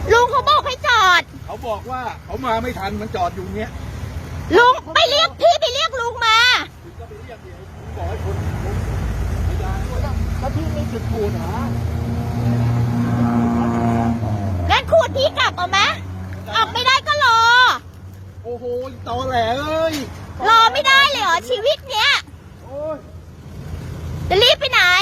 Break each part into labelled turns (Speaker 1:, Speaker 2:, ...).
Speaker 1: ลุงเขาบอกให้จอด
Speaker 2: เขาบอกว่าเขามาไม่ทันมันจอดอยู่เนี้ย
Speaker 1: ลุงไปเรียกพี่ไปเรียกลุงมา
Speaker 2: ก็ไปเรียกเดี๋ยวบอกให้คนพยานแล้วพี่ไม่จุดขูดเหรอ
Speaker 1: งั้นขูดพี่กลับเอาไหมออกไม่ได้ก็รอ
Speaker 2: โอ้โหตอแหลเอ้ย
Speaker 1: รอไม่ได้เลยเหรอชีวิตเนี้ยจะรีบไปไหน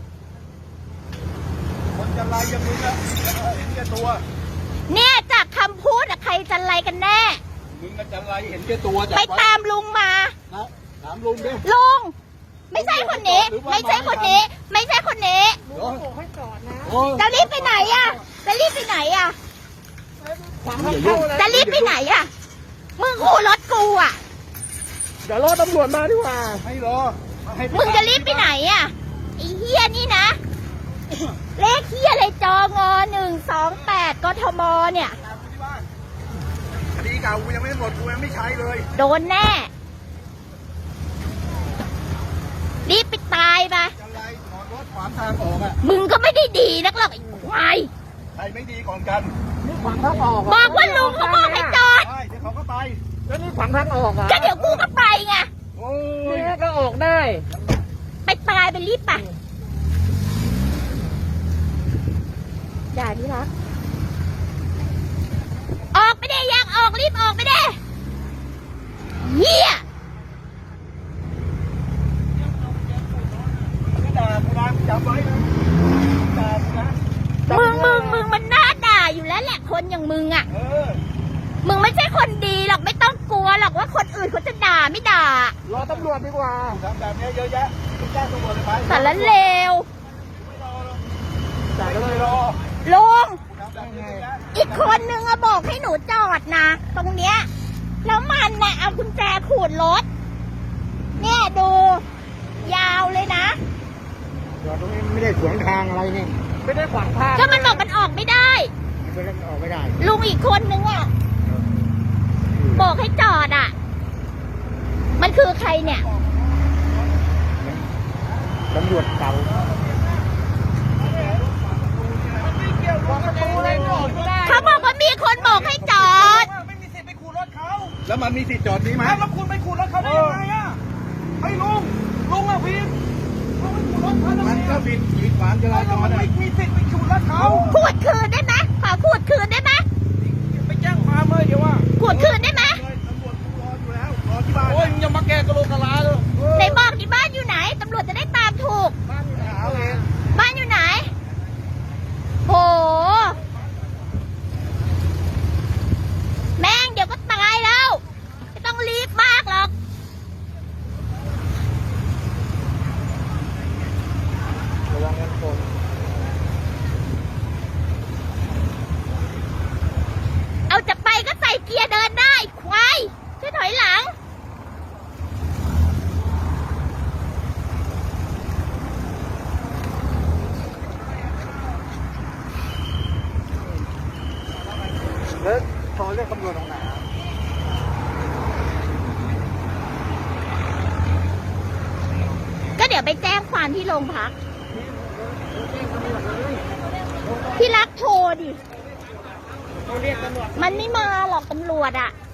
Speaker 2: คนจะไล่ยังมึงอะเห็นแก่ตัว
Speaker 1: เนี่ยจากคำพูดอะใครจะไล่กันแน่
Speaker 2: มึงจะไล่เห็นแก่ตัว
Speaker 1: ไปตามลุงมา
Speaker 2: ถามลุงดิ
Speaker 1: ลุงไม่ใช่คนนี้ไม่ใช่คนนี้ไม่ใช่คนนี้
Speaker 2: ลุงบอกให้จอดนะ
Speaker 1: จะรีบไปไหนอะจะรีบไปไหนอะจะรีบไปไหนอะมึงขู่รถกูอะ
Speaker 2: เดี๋ยวรอตำรวจมาดีกว่าให้รอ
Speaker 1: มึงจะรีบไปไหนอะไอ้เฮี้ยนี่นะเลขเฮี้ยอะไรจง128กทมเนี่ย
Speaker 2: คดีเก่ากูยังไม่หมดกูยังไม่ใช้เลย
Speaker 1: โดนแน่รีบไปตายไป
Speaker 2: จะไล่ถอนรถขวางทางออกอะ
Speaker 1: มึงก็ไม่ได้ดีนักหรอกไอ้ควาย
Speaker 2: ใครไม่ดีก่อนกันนี่ขวางทางออก
Speaker 1: บอกว่าลุงเขาบอกให้จอด
Speaker 2: ใช่เดี๋ยวเขาก็ไป
Speaker 3: แล้วนี่ขวางทางออกอ่ะ
Speaker 1: ก็เดี๋ยวกูก็ไปไง
Speaker 3: นี่ก็ออกได้
Speaker 1: ไปตายไปรีบไปอย่านี่รักออกไปได้ยังออกรีบออกไปได้เหี้ย
Speaker 2: จำไว้นะ
Speaker 1: มึงมันน่าด่าอยู่แล้วแหละคนอย่างมึงอ่ะมึงไม่ใช่คนดีหรอกไม่ต้องกลัวหรอกว่าคนอื่นเขาจะด่าไม่ด่าร
Speaker 2: อตำรวจดีกว่าทำแบบนี้เยอะแยะแจ้งตำรวจเลยไป
Speaker 1: สารเลว
Speaker 2: จ่ายเลยรอ
Speaker 1: ลุงอีกคนนึงอะบอกให้หนูจอดนะตรงเนี้ยแล้วมันน่ะเอากุญแจขูดรถเนี่ยดูยาวเลยนะ
Speaker 2: จอดตรงนี้ไม่ได้ขวางทางอะไรนี่
Speaker 3: ไม่ได้ขวางทาง
Speaker 1: ก็มันบอกมันออกไม่ได้
Speaker 2: ไม่ได้ออกไม่ได้
Speaker 1: ลุงอีกคนนึงอะบอกให้จอดอะมันคือใครเนี่ย
Speaker 2: ตำรวจเก่า
Speaker 1: เขาบอกว่ามีคนบอกให้จอด
Speaker 2: ไม่มีสิทธิ์ไปขูดรถเขาแล้วมันมีสิทธิ์จอดนี้ไหมแล้วคุณไปขูดรถเขาได้ยังไงอะไอ้ลุงอะผิดมันก็ผิดขีดขวางจราจรไม่มีสิทธิ์ไปขูดรถเขา
Speaker 1: ขูดคืนได้ไหมขอขูดคืนได้ไหม
Speaker 2: ไปแจ้งความเลยเดี๋ยวว่า
Speaker 1: ขูดคืนได้ไหม
Speaker 2: ตำรวจรออยู่แล้วรอที่บ้านโอ้ยยังมาแก้กระโหลกกะลาเลย
Speaker 1: ไหนบอกที่บ้านอยู่ไหนตำรวจจะได้ตามถูก
Speaker 2: บ้านอยู่ไหน
Speaker 1: บ้านอยู่ไหนโหแม่งเดี๋ยวก็ตายแล้วไม่ต้องรีบมากหรอก
Speaker 2: ระวังกันคน
Speaker 1: เอาจะไปก็ใส่เกียร์เดินได้ควายช่วยถอยหลัง
Speaker 2: แล้วโทรเรียกตำรวจตรงไหน
Speaker 1: ก็เดี๋ยวไปแจ้งความที่โรงพักที่รักโทรดิมันไม่มาหรอกตำรวจอ่ะ